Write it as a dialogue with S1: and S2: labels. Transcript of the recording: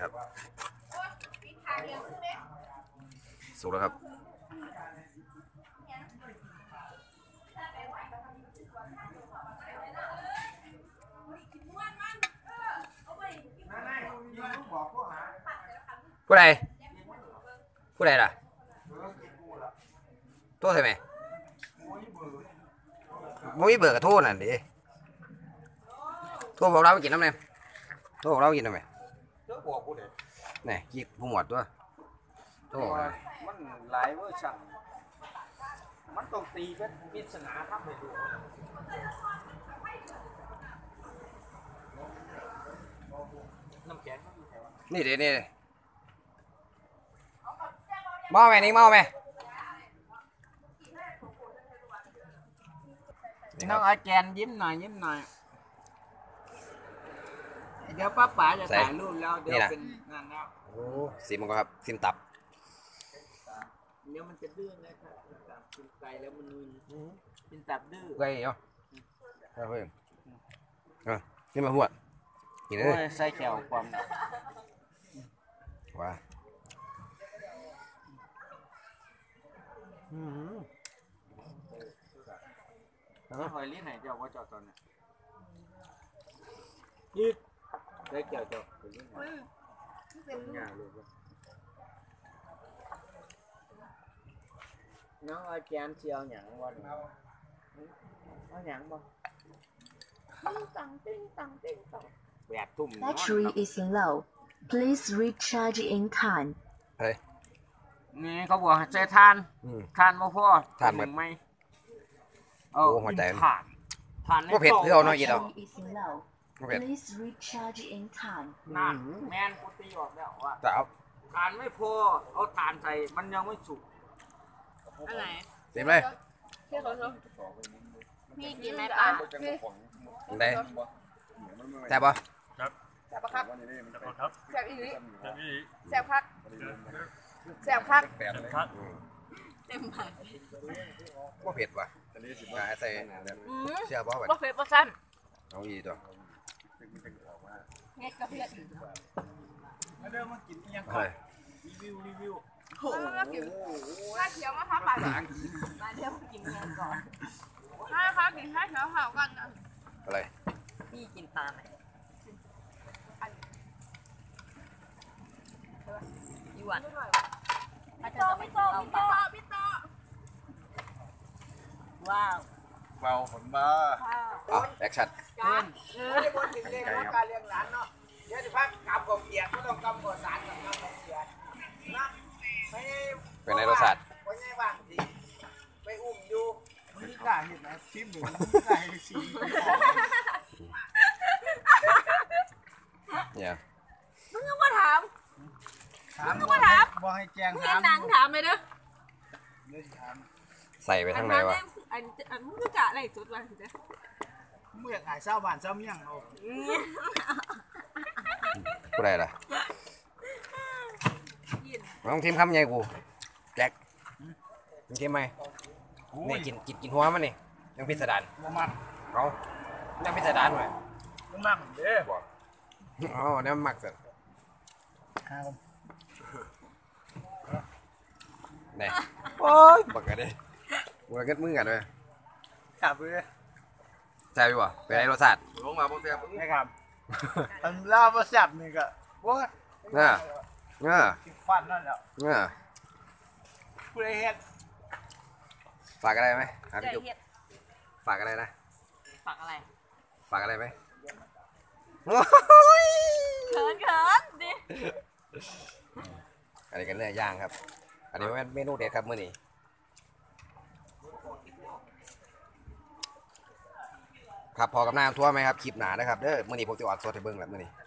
S1: ครับสุกแล้วครับผู้ใดผู้ใดล่ะโทษใช่ไหมมุ้ยเบิกกับโทษน่ะดิโทษบอกเราไปกินน้ำเนี่ยโทษบอกเราไปกินน้ำไหมนี่กินผู้หมวดตัวโทษบอก
S2: มันหลายเวอร์ชันมันต้องตีเป็นปริศนาทำให้ดูน้ำแข็ง
S1: นี่เดี๋ยวนี่เมาไหมนี่เมาไหม
S2: น้องอาแกนยิ้มหน่อยเดี๋ยวป้าป๋าจะถ่ายรูปแล้วเดี๋ยวเป็นงานแล้ว
S1: โอ้ซิมมันก็ครับซิมตับ
S2: เดี๋ยวมันจะดื้อนะครับตับกินไก่แล้วมันเป็นตับดื้อ
S1: ไก่เนาะเฮ้ยนี่มาหัวกินเลย
S2: ใส่แก้วความ
S1: ว้า
S2: แล้วหอยลิ้นไหนเจ้าว่าจอดตอนนี้ยืดได้แก้วจอดหอยลิ้นไหนงานเลยน้องอาแกนเชียวหยังวันเอาหยังบ่ติ้งตังแบบตุ่ม
S3: Battery is low. Please recharge in time.
S1: เฮ้ย
S2: นี่เขาบอกใช้ทานมาพอ
S1: ทานหมด
S2: ไหม
S1: โอ้หัวใจ
S2: ทาน
S1: ก็เผ็ดเพื่อเอาหน่อยกินเอา
S3: Please recharge in time.
S2: นั่นแมนกูตีออกแล้วว่า
S1: แต่เอา
S2: ทานไม่พอเอาทานใส่มันยังไม่สุก
S4: อะไร
S1: เต็มเลย
S4: พี่กินไหมปลา
S1: ได้แซ่บปะ
S4: แซ่บปะครับแซ่บอีหลีแซ่บคักแซ่บคักเต็มปาก
S1: ว่าเผ็ดว่ะใส่เชื่อป่ะ
S4: บ่เผ็ดบ่สั้น
S1: เอาอีตัว
S4: เฮ็ดกับเผ็ด
S2: แล้วเริ่มมากินยังก่อนรีวิว
S4: โอ้โหถ้าเขียวมาพับปากมาเดี๋ยวกินเงินก่อนถ้าเขากินให้เขียวเผากันนะ
S1: อะไร
S4: พี่กินปลาไหมยี่หวันพี่โตว้าว
S2: เบาผลมา
S1: แอคชั่น
S2: ไม่บนถึงเรื่องการเลี้ยงหลานเนาะเดี๋ยวจะพักกำกับเกียร์ไม่ต้องกำกับสารกับกำกับเกียร์นะ
S1: เป็นในรสชาติ
S2: ไว้ไงบ้างทีไปอุ้มอยู่มันนี่กล้าเห็นนะชิมหรือมันกล้าเห็นชิม
S1: เนี่ย
S4: มึงก็มาถาม
S2: บอกให้แจ้ง
S4: ถามหนังถามเลยเด้อ
S1: ใส่ไปทางไหนวะ
S4: อันมึงก็กะอะไรสุดวันสิเด้อ
S2: เมื่อขายเศร้าบ้านเศร้าเมี่ยงเอา
S1: กูได้ละน้องทีมคำใหญ่กูแจ็คมึงทีมไหมนี่กินหัวมันนี่ยังพิสดารเอายังพิสดารหน่อย
S2: มักเด้อ
S1: บอกอ๋อเนี่ยมักสุดนี่โอ้ยบักกันดิบักกันมึงกันเลย
S2: ขับเลย
S1: แซ่บอยู่วะเป็นไงรสชาติ
S2: ลงมาบ่แซ่บไม่ครับอันล่าบ่แซ่บนี่ก็บ่ฟันนั่นแหละผู้ใดเฮ็ด
S1: ฝากอะไรไหมพี่จุ๊บฝากอะไรนะ
S4: ฝากอะไร
S1: ไหม
S4: เขินดิ
S1: อันนี้กันเนื้อย่างครับอันนี้เป็นเมนูเด็ดครับมื้อนี้ครับพอกับน้ำทั่วไหมครับคลิปหนานะครับเด้อมื้อนี้ผมจะออกสดให้เบิ่งแบบมื้อนี้